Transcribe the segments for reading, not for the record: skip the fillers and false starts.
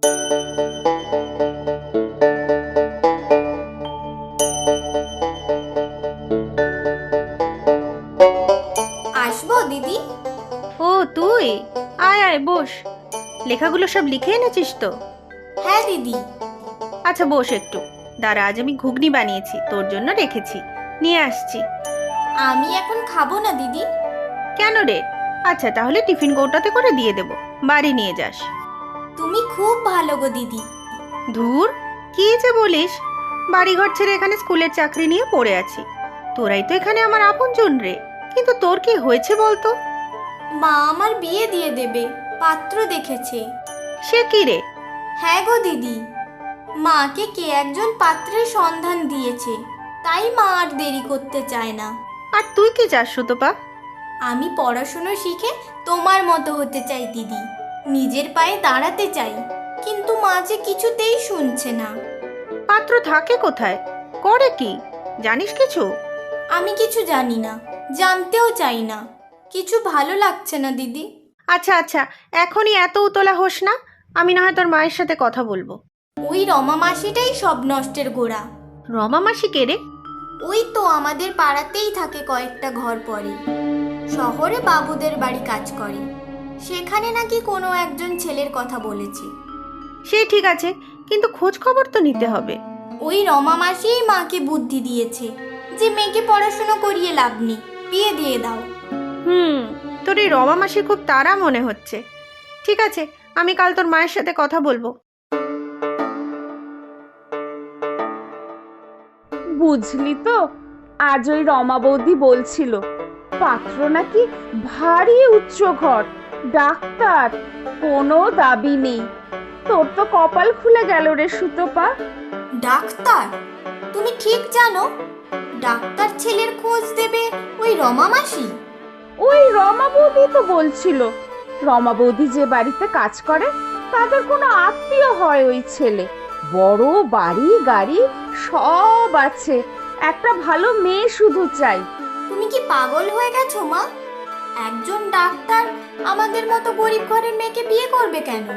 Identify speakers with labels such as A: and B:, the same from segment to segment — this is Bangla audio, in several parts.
A: আসবো দিদি?
B: ও তুই, আয় আয় বস। লেখাগুলো সব লিখে এনেছিস তো?
A: হ্যাঁ দিদি।
B: আচ্ছা বস একটু, দাঁড়া, আজ আমি ঘুগনি বানিয়েছি, তোর জন্য রেখেছি, নিয়ে আসছি।
A: আমি এখন খাবো না দিদি।
B: কেন রে? আচ্ছা তাহলে টিফিন কৌটাতে করে দিয়ে দেবো, বাড়ি নিয়ে যাস।
A: তুমি খুব ভালো গো দিদি।
B: ধুর, কি যে বলিস! বাড়িঘর ছেড়ে এখানে স্কুলের চাকরি নিয়ে পড়ে আছি, তোরাই তো এখানে আমার আপনজন রে। কিন্তু তোর কি হয়েছে বলতো?
A: মা আমার বিয়ে দিয়ে দেবে, পাত্র দেখেছে।
B: সে কি রে?
A: হ্যাঁ গো দিদি, মাকে কে একজন পাত্রের সন্ধান দিয়েছে, তাই মা আর দেরি করতে চায় না।
B: আর তুই কি চাস সুতপা?
A: আমি পড়াশুনো শিখে তোমার মতো হতে চাই দিদি, নিজের পায়ে দাঁড়াতে চাই। কিন্তু মা যে কিছুতেই শুনছে না।
B: পাত্র থাকে কোথায়, করে কি, জানিস কিছু?
A: আমি কিছু জানি না, জানতেও চাই না। কিছু ভালো লাগছে না দিদি।
B: আচ্ছা আচ্ছা, এখনই এত উতলা হোস না, আমি না হয় তোর মায়ের সাথে কথা বলবো।
A: ওই রমা মাসিটাই সব নষ্টের গোড়া।
B: রমা মাসি কে রে?
A: ওই তো আমাদের পাড়াতেই থাকে, কয়েকটা ঘর পরে। শহরে বাবুদের বাড়ি কাজ করে। সেখানে নাকি কোনো একজন ছেলের কথা বলেছে।
B: সে ঠিক আছে, কিন্তু খোঁজ খবর তো নিতে হবে।
A: ওই রমা মাসিই মাকে বুদ্ধি দিয়েছে যে মেয়েকে পড়াশুনো করিয়ে লাভ নেই, বিয়ে দিয়ে দাও।
B: তোর এই রমা মাসি খুব তাড়া মনে হচ্ছে। ঠিক আছে, আমি কাল তোর মায়ের সাথে কথা বলবো।
C: বুঝলি তো, আজ ওই রমা বৌদি বলছিল পাত্র নাকি ভারী উচ্চ ঘর, ডাক্তার, কোনো দাবি নেই। তোর তো কপাল খুলে গেল রে সুতপা।
A: ডাক্তার? তুমি ঠিক জানো ডাক্তার ছেলের খোঁজ দেবে ওই রমা মাসি?
C: ওই রমা বৌদি তো বলছিল রমা বৌদি যে বাড়িতে কাজ করে তাদের কোনো আত্মীয় হয় ওই ছেলে। বড় বাড়ি গাড়ি সব আছে, একটা ভালো মেয়ে শুধু চাই।
A: তুমি কি পাগল হয়ে গেছো মা? একজন ডাক্তার আমাদের মতো গরিব ঘরের মেয়েকে বিয়ে করবে কেন?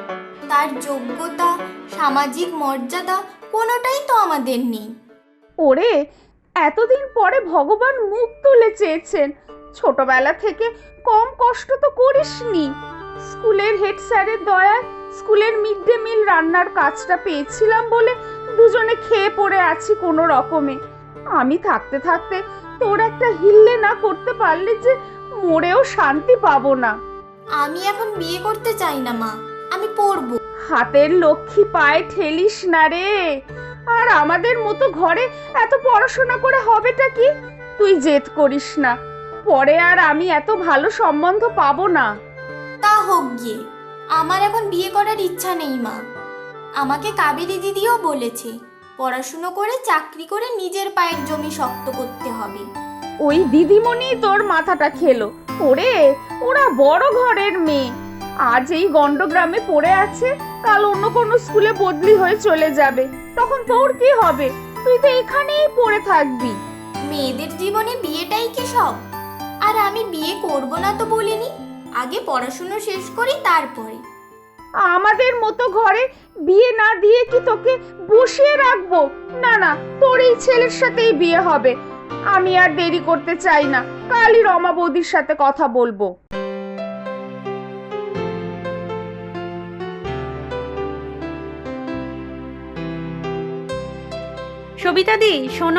A: তার যোগ্যতা, সামাজিক মর্যাদা কোনোটাই তো আমাদের নেই।
C: ওরে, এতদিন পরে ভগবান মুখ তুলে চেয়েছেন, ছোটবেলা থেকে কম কষ্ট তো করিসনি। স্কুলের হেড স্যারের দয়ায় স্কুলের মিড ডে মিল রান্নার কাজটা পেয়েছিলাম বলে দুজনে খেয়ে পড়ে আছি কোনো রকমে। আমি থাকতে থাকতে তোর একটা হিল্লে না করতে পারলে যে মরেও শান্তি পাবো না।
A: আমি এখন বিয়ে করতে চাই না মা, আমি পড়বো।
C: হাতের লক্ষ্মী পায়ে ঠেলিস না রে। আর আমাদের মতো ঘরে এত পড়াশোনা করে হবেটা কি? তুই জেদ করিস না, পরে আর আমি এত ভালো সম্বন্ধ পাবো না।
A: তা হোক গিয়ে, আমার এখন বিয়ে করার ইচ্ছা নেই মা। আমাকে কাবেরী দিদিও বলেছে পড়াশুনো করে চাকরি করে নিজের পায়ের জমি শক্ত করতে হবে।
C: ওই দিদিমণি তোর মাথাটা খেলো। ওরে, ওরা বড় ঘরের মেয়ে, আজ এই গন্ডগ্রামে পড়ে আছে, কাল অন্য কোনো স্কুলে বদলি হয়ে চলে যাবে, তখন তোর কি হবে? তুই তো এখানেই পড়ে থাকবি।
A: মেয়েদের জীবনে বিয়েটাই কি সব? আর আমি বিয়ে করব না তো বলিনি, আগে পড়াশুনো শেষ করি তারপরে।
C: আমাদের মতো ঘরে বিয়ে না দিয়ে কি তোকে বসিয়ে রাখবো? না না, তোর এই ছেলের সাথেই বিয়ে হবে। আমি আর দেরি করতে চাই না, কালই রমা বৌদির সাথে কথা বলবো।
B: সবিতা দি শোনো।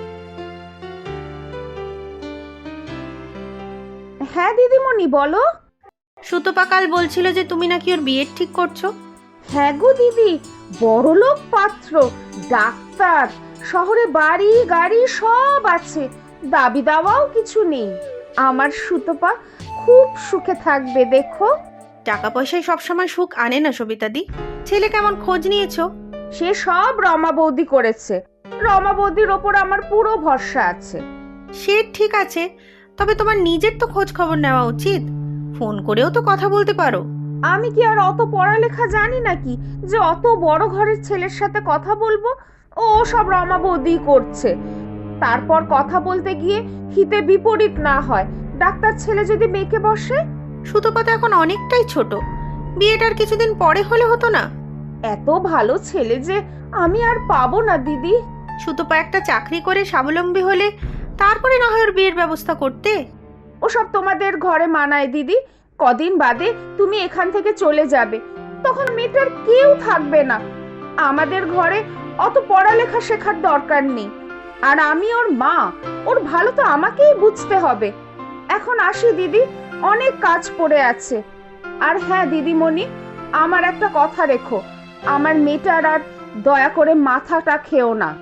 C: হ্যাঁ দিদিমণি, বলো।
B: সুতপা কাল বলছিল যে তুমি নাকি ওর বিয়ের ঠিক করছো।
C: হ্যাঁ গো দিদি, বড়লোক পাত্র, ডাক্তার, শহরে বাড়ি গাড়ি সব আছে, দাবি দাওয়াও কিছু নেই। আমার সুতপা খুব সুখে থাকবে দেখো।
B: টাকা পয়সায় সবসময় সুখ আনে না সবিতা দি। ছেলে কেমন খোঁজ নিয়েছো?
C: সে সব রমা বৌদি করেছে। রমা বৌদির ওপর আমার পুরো ভরসা আছে।
B: সে ঠিক আছে, তবে তোমার নিজের তো খোঁজ খবর নেওয়া উচিত। ফোন করেও তো কথা বলতে পারো।
C: আমি কি আর অত পড়ালেখা জানি নাকি যে অত বড় ঘরের ছেলের সাথে কথা বলবো? ও সব রমা বৌদি করছে। তারপর কথা বলতে গিয়ে হিতে বিপরীত না হয়, ডাক্তার ছেলে যদি মেয়েকে বসে।
B: সুতপা তো এখন অনেকটাই ছোট, বিয়েটার কিছুদিন পরে হলে হতো না?
C: এত ভালো ছেলে যে আমি আর পাবো না দিদি।
B: সুতপা একটা চাকরি করে স্বাবলম্বী হলে তারপরে না হয় ওর বিয়ের ব্যবস্থা করতে।
C: ওসব তোমাদের ঘরে মানায় দিদি। কদিন বাদে তুমি এখান থেকে চলে যাবে, তখন মেয়েটার কেউ থাকবে না। আমাদের ঘরে অত পড়ালেখা শেখার দরকার নেই। আর আমি ওর মা, ওর ভালো তো আমাকেই বুঝতে হবে। এখন আসি দিদি, অনেক কাজ পড়ে আছে। আর হ্যাঁ দিদিমণি, আমার একটা কথা রেখো, আমার মেয়েটার আর দয়া করে মাথাটা খেও না।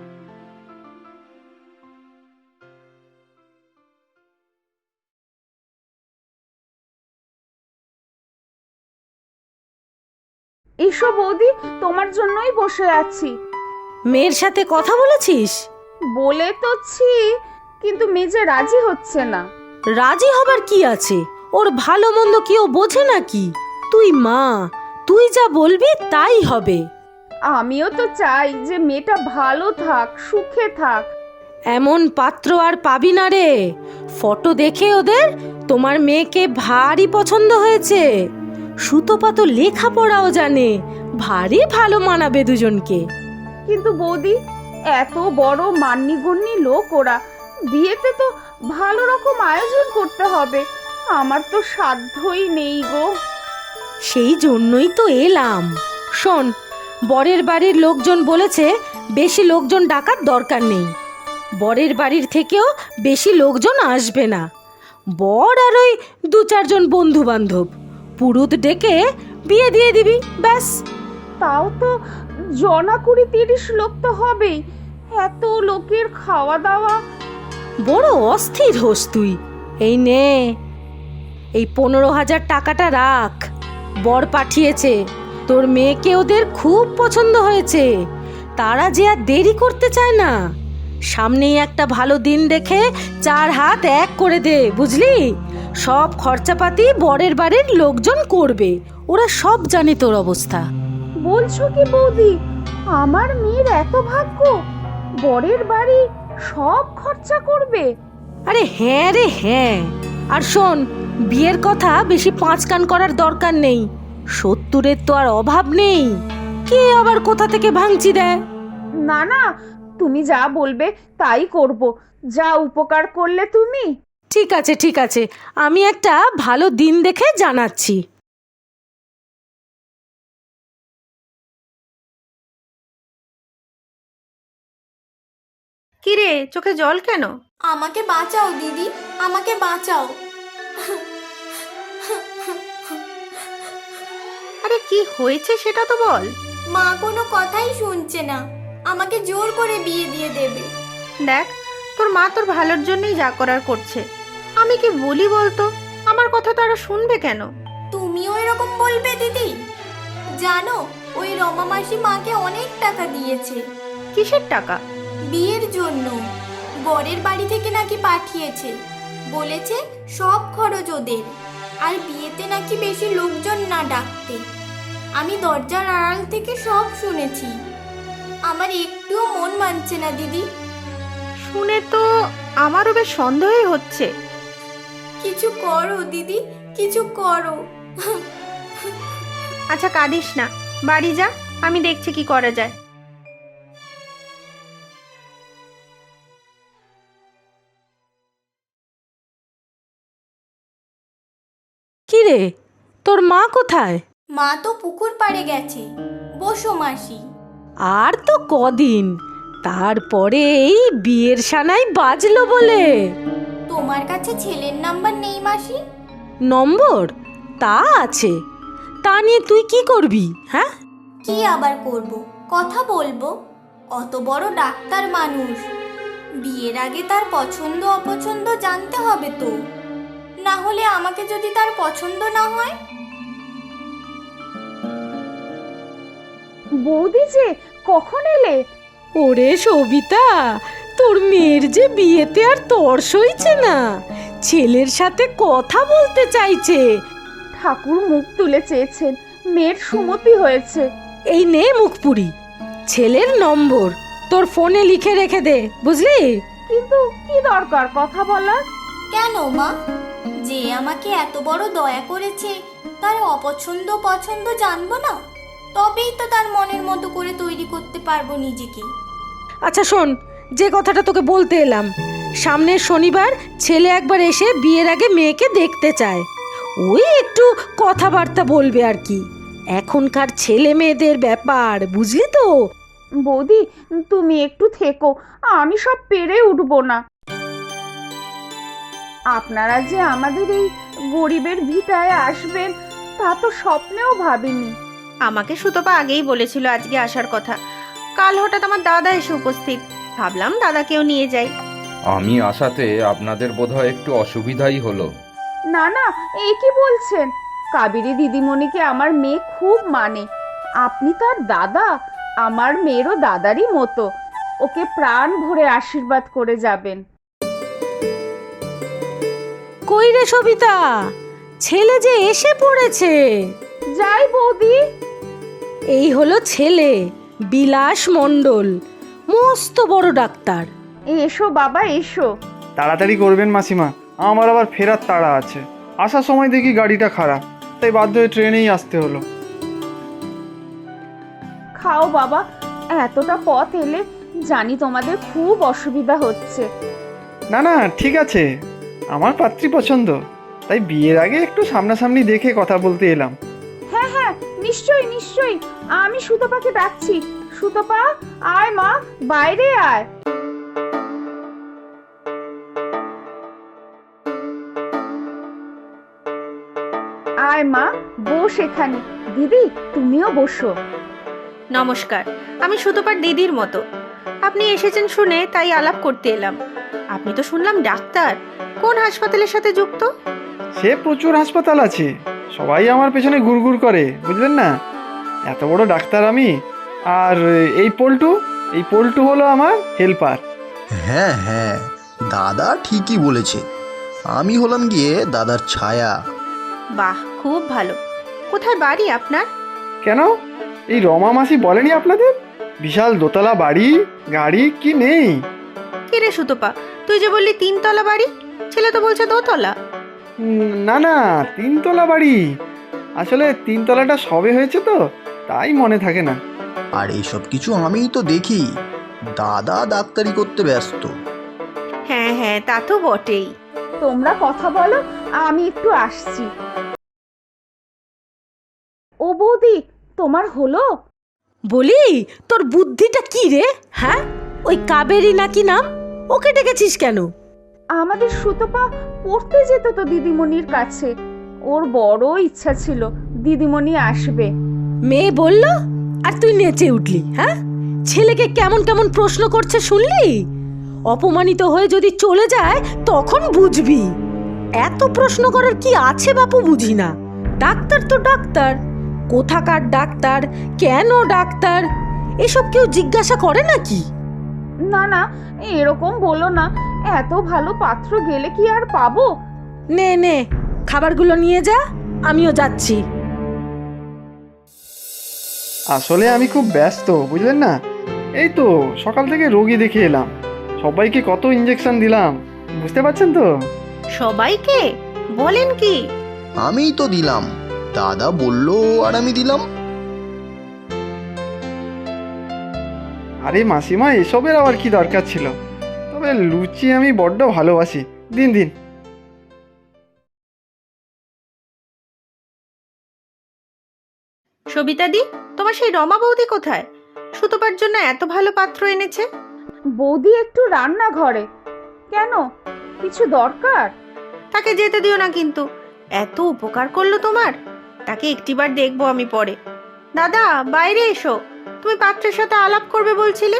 C: এসো বৌদি, তোমার জন্যই বসে আছি।
D: মেয়ের সাথে কথা বলেছিস?
C: বলে তোছি, কিন্তু মেজে রাজি হচ্ছে না।
D: রাজি হবার কি আছে? ওর ভালো মন্দ কেউ বোঝে নাকি? তুই মা, তুই যা বলবি তাই হবে।
C: আমিও তো চাই যে মেয়েটা ভালো থাক, সুখে থাক।
D: এমন পাত্র আর পাবি না রে। ফটো দেখে ওদের তোমার মেয়েকে ভারী পছন্দ হয়েছে। সুতপা তো লেখাপড়াও জানে, ভারী ভালো মানাবে দুজনকে।
C: কিন্তু বৌদি, এত বড় মান্যিগণ্যি লোক ওরা, বিয়েতে তো ভালো রকম আয়োজন করতে হবে। আমার তো সাধ্যই নেই গো।
D: সেই জন্যই তো এলাম। শোন, বরের বাড়ির লোকজন বলেছে বেশি লোকজন ডাকার দরকার নেই। বরের বাড়ির থেকেও বেশি লোকজন আসবে না। বর আর ওই 2-4 জন বন্ধু বান্ধব, পুরুত ডেকে বিয়ে দিয়ে দিবি, ব্যাস।
C: তাও তো জনা 20-30 লোক তো হবেই। এত লোকের খাওয়া দাওয়া।
D: বড় অস্থির হোস তুই। এই নে, এই 15,000 টাকাটা রাখ। বর পাঠিয়েছে, তোর মেয়েকে ওদের খুব পছন্দ হয়েছে। তারা যে আর দেরি করতে চায় না। সামনেই একটা ভালো দিন দেখে 4 হাত এক করে দে, বুঝলি? সব খরচাপাতি বরের বাড়ির লোকজন করবে। ওরা সব জানে তোর অবস্থা।
C: বলছো কি বৌদি, আমার মেয়ের এত ভাগ্য, বরের বাড়ি সব খরচা করবে?
D: আরে হ্যাঁ রে হ্যাঁ। আর শোন, বিয়ের কথা বেশি 5 কান করার দরকার নেই। 70-এর তো আর অভাব নেই। কে আবার কোথা থেকে ভাঙচি দেয়?
C: না না, তুমি যা বলবে তাই করব। যা উপকার করলে তুমি।
D: ঠিক আছে ঠিক আছে, আমি একটা ভালো দিন দেখে জানাচ্ছি।
B: কিরে, চোখে জল কেন?
A: আমাকে বাঁচাও দিদি, আমাকে বাঁচাও।
B: আরে কি হয়েছে সেটা তো বল।
A: মা কোনো কথাই শুনছে না, আমাকে জোর করে বিয়ে দিয়ে দেবে।
B: দেখ, তোর মা তোর ভালোর জন্যই যা করার করছে। আমি কি বলি বলতো? আমার কথা তারা শুনবে কেন?
A: তুমিও এরকম বলবে দিদি? জানো, ওই রমা মাসি মাকে অনেক টাকা দিয়েছে
B: কিসের টাকা?
A: বিয়ের জন্য। বরের বাড়ি থেকে নাকি পাঠিয়েছে, বলেছে সব খরচ ওদের, আর বিয়েতে নাকি বেশি লোকজন না ডাকতে। আমি দরজার আড়াল থেকে সব শুনেছি। আমার একটুও মন মানছে না দিদি।
B: শুনে তো আমারও বেশ সন্দেহই হচ্ছে।
A: কিছু করো দিদি, কিছু করো।
B: আচ্ছা কাঁদিস না, বাড়ি যা, আমি দেখছি কি করা যায়।
D: কি রে, তোর মা কোথায়?
A: মা তো পুকুর পাড়ে গেছে। বসো মাসি।
D: আর তো কদিন, তারপরে এই বিয়ের সানাই বাজলো বলে।
A: তোমার কাছে ছেলের নাম্বার নেই মাসি?
D: নম্বর তা আছে, তা নিয়ে তুই কি করবি? হ্যাঁ,
A: কি আবার করব, কথা বলবো। অত বড় ডাক্তার মানুষ, বিয়ের আগে তার পছন্দ অপছন্দ জানতে হবে তো। না হলে আমাকে যদি তার পছন্দ না হয়?
C: বৌদি যে কখন এলে?
D: ওরে সবিতা, তোর মেয়ের যে বিয়েতে আর তর সইছে না, ছেলের সাথে কথা বলতে চাইছে।
C: ঠাকুর মুখ তুলে চেয়েছেন, মেয়ের সুমতি হয়েছে।
D: এই নে মুখপুরি, ছেলের নম্বর তোর ফোনে লিখে রেখে দে, বুঝলি?
C: কিন্তু কি দরকার কথা বলার?
A: কেন মা, যে আমাকে এত বড় দয়া করেছে তার অপছন্দ পছন্দ জানবো না? তবেই তো তার মনের মতো করে তৈরি করতে পারবো নিজেকে।
D: আচ্ছা শোন, যে কথাটা তোকে বলতে এলাম, সামনের শনিবার ছেলে একবার এসে বিয়ের আগে মেয়েকে দেখতে চায়। ওই একটু কথাবার্তা বলবে আর কি। এখনকার ছেলে মেয়েদের ব্যাপার বুঝলি তো।
C: বৌদি, তুমি একটু থেকো, আমি সব পেরে উঠবো না। আপনারা যে আমাদের এই গরিবের ভিটায় আসবেন তা তো স্বপ্নেও ভাবিনি।
B: আমাকে সুতপা আগেই বলেছিল আজকে আসার কথা। কাল হঠাৎ আমার দাদা এসে উপস্থিত, ভাবলাম দাদাকেও নিয়ে যাই।
E: আমি আসাতে আপনাদের বোধহয় একটু অসুবিধাই হলো।
C: না না, এই কি বলছেন? কাবেরী দিদিমণিকে আমার মেয়ে খুব মানে। আপনি তার দাদা, আমার মেয়েরও দাদারই মতো। ওকে প্রাণ ভরে আশীর্বাদ করে যাবেন।
D: কই রে সবিতা, ছেলে যে এসে পড়েছে।
C: যাই বৌদি।
D: এই হলো ছেলে, বিলাস মণ্ডল, মস্ত বড় ডাক্তার।
C: এসো বাবা এসো।
F: তাড়াতাড়ি করবেন মাসিমা, আমার আবার ফেরার তাড়া আছে। আসার সময় দেখি গাড়িটা খারাপ, তাই বাধ্য হয়ে ট্রেনেই আসতে হলো।
C: খাও বাবা, এতটা পথ এলে জানি তোমাদের খুব অসুবিধা হচ্ছে।
F: না না, ঠিক আছে, আমার পাত্রী পছন্দ, তাই বিয়ের আগে একটু সামনাসামনি দেখে কথা বলতে এলাম।
C: হ্যাঁ হ্যাঁ, নিশ্চয়ই নিশ্চয়ই, আমি সুতপাকে ডাকছি। সুতপা, আয় মা, বাইরে আয়। আয় মা, বস এখানে। দিদি, তুমিও বসো।
B: নমস্কার, আমি সুতপার দিদির মতো। আপনি এসেছেন শুনে তাই আলাপ করতে এলাম। আপনি তো শুনলাম ডাক্তার, কোন হাসপাতালের সাথে যুক্ত?
F: সে প্রচুর হাসপাতাল আছে, সবাই আমার পেছনে ঘুরঘুর করে, বুঝলেন না? এত বড় ডাক্তার আমি। আর এই পল্টু হলো আমার হেল্পার।
G: হ্যাঁ হ্যাঁ, দাদা ঠিকই বলেছে। আমি হলাম গিয়ে দাদার ছায়া।
B: বাহ, খুব ভালো। কোথায় বাড়ি আপনার?
F: কেন, এই রমা মাসি বলেনি আপনাদের বিশাল দোতলা বাড়ি গাড়ি কি নেই?
B: কি রে সুতপা, তুই যে বললি 3 তলা বাড়ি, ছেলে তো বলছে 2 তলা।
F: না না, 3 তলা বাড়ি। আসলে 3 তলাটা সবে হয়েছে তো, তাই মনে থাকে না।
G: আর এইসব কিছু আমিই তো দেখি। দাদা ডাক্তারি করতে ব্যস্ত।
B: হ্যাঁ হ্যাঁ, তা তো বটেই।
C: তোমরা কথা বলো, আমি একটু আসছি। ও বৌদি, তোমার হলো?
D: বলি, তোর বুদ্ধিটা কি রে? হ্যাঁ, ওই কাবেরী নাকি নাম, ওকে ডেকেছিস কেন?
C: আমাদের সুতপা পড়তে যেত তো দিদিমণির কাছে। ওর বড় ইচ্ছা ছিল দিদিমণি আসবে।
D: মেয়ে বলল আর তুই নেচে উঠলি। হ্যাঁ, ছেলেকে কেমন কেমন প্রশ্ন করছে শুনলি? অপমানিত হয়ে যদি চলে যায় তখন বুঝবি। এত প্রশ্ন করার কি আছে বাপু, বুঝি না। ডাক্তার তো ডাক্তার, কোথাকার ডাক্তার, কেন ডাক্তার, এসব কেউ জিজ্ঞাসা করে নাকি?
C: না না, এরকম বলো না। এত ভালো পাত্র গেলে কি আর পাবো?
D: নে নে, খাবারগুলো নিয়ে যা, আমিও যাচ্ছি।
F: আসলে আমি খুব ব্যস্ত, বুঝলেন না? এই তো সকাল থেকে রোগী দেখে এলাম, সবাইকে কত ইঞ্জেকশন দিলাম, বুঝতে পারছেন তো?
B: সবাইকে বলেন কি?
G: আমিই তো দিলাম, দাদা বললো আর আমি দিলাম।
F: আরে মাসিমা, এসবের আবার কি দরকার ছিল? তবে লুচি আমি বড্ড ভালোবাসি, দিন দিন।
B: সবিতাদি, তোমার সেই রমা বৌদি কোথায়? সুতপার জন্য এত ভালো পাত্র এনেছে।
C: বৌদি একটু রান্নাঘরে। কেন, কিছু দরকার?
B: তাকে যেতে দিও না কিন্তু, এত উপকার করলো তোমার। তাকে একটিবার দেখবো আমি পরে। দাদা, বাইরে এসো, তুমি পাত্রের সাথে আলাপ করবে বলছিলে।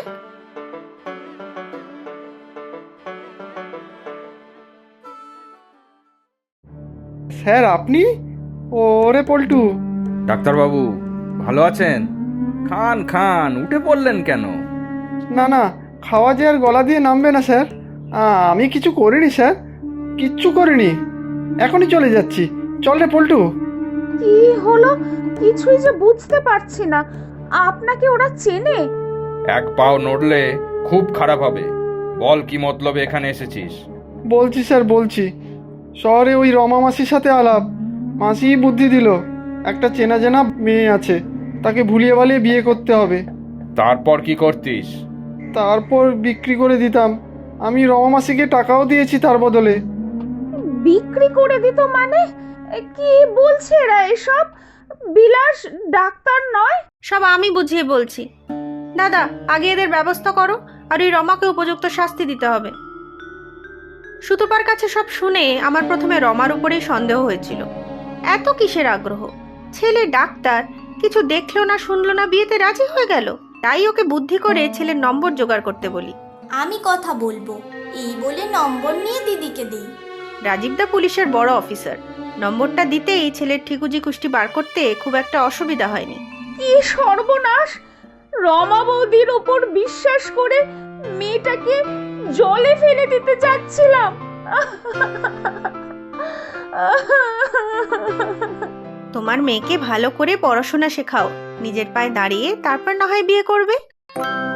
F: স্যার আপনি? ওরে পল্টু।
E: ডাক্তারবাবু ভালো আছেন? খান খান, উঠে পড়লেন কেন?
F: না না, খাওয়া যে আর গলা দিয়ে নামবে না স্যার। আমি কিছু করিনি স্যার, কিচ্ছু করিনি। এখনই চলে যাচ্ছি। চল রে পল্টু।
C: কি হলো কিছুই যে বুঝতে পারছি না। আপনাকে ওরা চেনে?
E: এক পাও নড়লে খুব খারাপ হবে। বল কি মতলবে এখানে এসেছিস?
F: বলছি স্যার, বলছি। শহরে ওই রমা মাসির সাথে আলাপ, মাসিই বুদ্ধি দিল একটা চেনা জানা মেয়ে আছে, তাকে ভুলিয়ে ভালিয়ে বিয়ে করতে হবে।
E: তারপর কি করতিস?
F: তারপর বিক্রি করে দিতাম। আমি রমা মাসিকে টাকাও দিয়েছি তার বদলে।
C: বিক্রি করে দিত মানে? কি বলছে এরা এসব? বিলাস ডাক্তার নয়?
B: সব আমি বুঝিয়ে বলছি। দাদা, আগে এদের ব্যবস্থা করো, আর ওই রমাকে উপযুক্ত শাস্তি দিতে হবে। সুতপার কাছে সব শুনে আমার প্রথমে রমার উপরেই সন্দেহ হয়েছিল। এত কিসের আগ্রহ? ছেলে ডাক্তার, কিছু দেখলো না শুনলো না, বিয়েতে রাজি হয়ে গেল। তাই ওকে বুদ্ধি করে ছেলের নম্বর জোগাড় করতে বলি।
A: আমি কথা বলবো এই বলে নম্বর নিয়ে দিদিকে দিই।
B: রাজীবদা পুলিশের বড় অফিসার, নম্বরটা দিতেই ছেলের ঠিকুজি কুষ্টি বার করতে খুব একটা অসুবিধা হয়নি।
C: কি সর্বনাশ! রমা বৌদির ওপর বিশ্বাস করে মেয়েটাকে জলে ফেলে দিতে যাচ্ছিলাম।
B: তোমার মেয়েকে ভালো করে পড়াশোনা শেখাও, নিজের পায়ে দাঁড়িয়ে তারপর না হয় বিয়ে করবে।